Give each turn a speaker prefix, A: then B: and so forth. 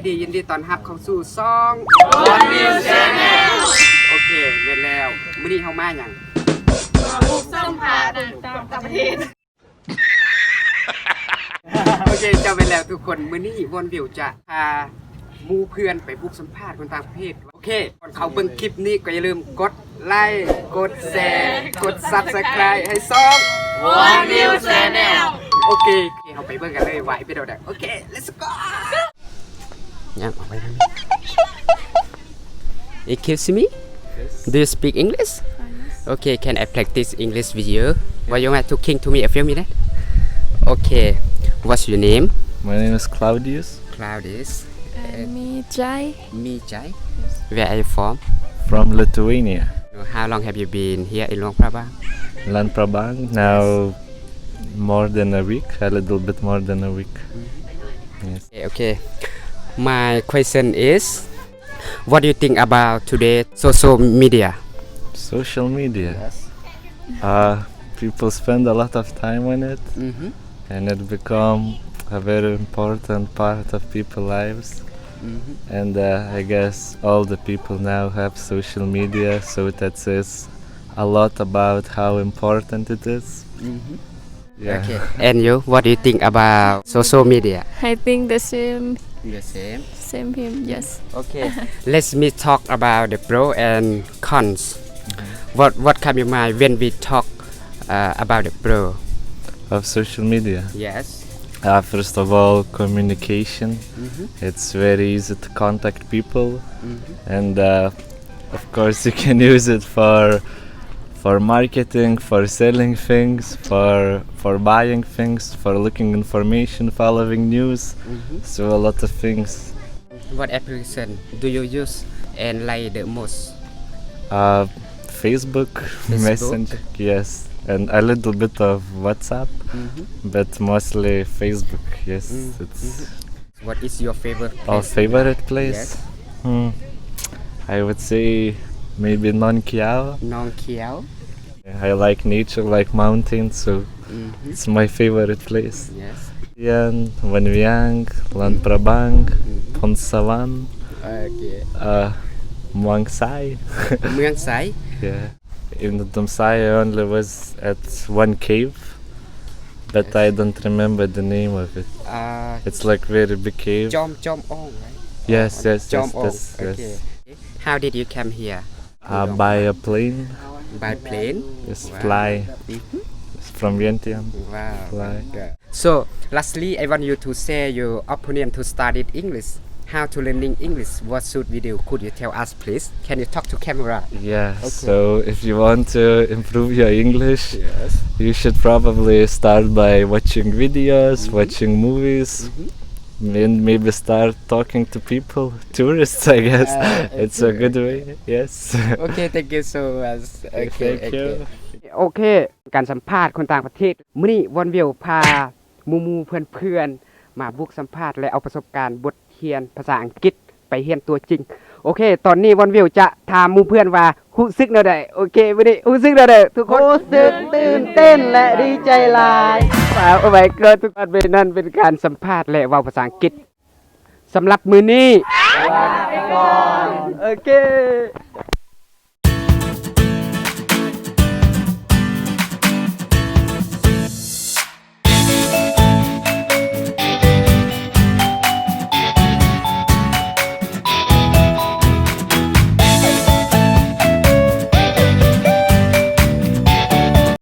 A: ดียินดีต้อนรับเข้าสู่ช่อง One New Channel โอเคเวลแล้วมื้อนี้เฮามาหยัง
B: บุกสัมภาษณ์ต่างประเทศ
A: โอเคจำไว้แล้วทุกคนมื้อนี้วนวิวจะพาหมู่เพื่อนไปบุกสัมภาษณ์คนต่างประเทศโอเคก่อนเข้าเบิ่งคลิปนี้ก็อย่าลืมกดไลค์กดแชร์กด Subscribe ให้ช่อง
B: One New Channel
A: โอเคเฮาไปเบิ่งกันเลยไหวไปเด้อโอเค let's go ยังออกไปทางนี้ Excuse me do you speak English okay can I practice English with you why you want talking to me a few minutes okay what's your name
C: My name is Claudius
A: Claudius
B: Me Jai
A: me Jai where are you from
C: from Lithuania.
A: how long have you been here in Luang Prabang
C: Luang Prabang now more than a week, a little bit more than a week. Yes.
A: okay my question is what do you think about today social media
C: Social media. People spend a lot of time on it,
A: mm-hmm.
C: and it become a very important part of people's lives.
A: Mm-hmm.
C: And I guess all the people now have social media, so that says a lot about how important it is.
A: Mm-hmm.
C: Yeah.
A: Okay. And you, what do you think about social media?
B: I think the same
A: The same.
B: him yes
A: Okay. Let's me talk about the pro and cons. What come in mind when we talk about the pro?
C: Of social media.
A: Yes.
C: First of all, communication.
A: Mm-hmm.
C: It's very easy to contact people,
A: Mm-hmm.
C: and of course you can use it for marketing, for selling things, for buying things, for looking information, following news.
A: Mm-hmm.
C: So a lot of things.
A: What application do you use and like the most?
C: Facebook, Messenger, yes, and a little bit of WhatsApp,
A: Mm-hmm.
C: but mostly Facebook. Yes,
A: Mm,
C: it's
A: What is your favorite
C: our
A: place?
C: favorite place.
A: Yes.
C: I would say maybe Nong Kiao.
A: Nong Kiao.
C: I like nature, like mountains, so
A: Mm-hmm.
C: it's my favorite place.
A: Yes.
C: Yan, Van Viang, Luang Prabang,
A: Mm-hmm.
C: Phon Savan,
A: Okay.
C: Muang Sai.
A: Muang Sai.
C: Yeah. In the Domsai I only was at one cave, but I don't remember the name of it. It's like very big cave.
A: Chom Ong, right?
C: Yes, yes,
A: Chom
C: yes,
A: Ong.
C: yes,
A: Okay.
C: yes.
A: How did you come here?
C: By a plane,
A: By plane.
C: just
A: Wow.
C: fly.
A: Mhm.
C: It's from Vientiane.
A: Wow.
C: Fly.
A: Okay. So, lastly, I want you to share your opinion to study English. How to learning English? What should we do? Could you tell us, please? Can you talk to camera?
C: Yeah,
A: Okay.
C: so if you want to improve your English,
A: Yes.
C: you should probably start by watching videos, watching movies, and maybe start talking to people, tourists, I guess. It's a good way, yes.
A: Okay, thank you so much. Okay,
C: Thank you.
A: โอเค การสัมภาษณ์คนต่างประเทศมื้อนี้วันวิวพาหมู่ๆเพื่อนๆมาบุกสัมภาษณ์และเอาประสบการณ์บทเรียนภาษาอังกฤษไปเรียนตัวจริงโอเค ตอนนี้วันวิวจะถามหมู่เพื่อนว่ารู้สึกแนวใดโอเคมื้อนี้รู้สึกแนวใดทุกคนรู้สึกตื่นเต้นและดีใจหลายโอ้my god ทุกคนเป็นนั่นเป็นการสัมภาษณ์และเว้าภาษาอังกฤษสำหรับมื้อนี้ลาไปก่อนโอเค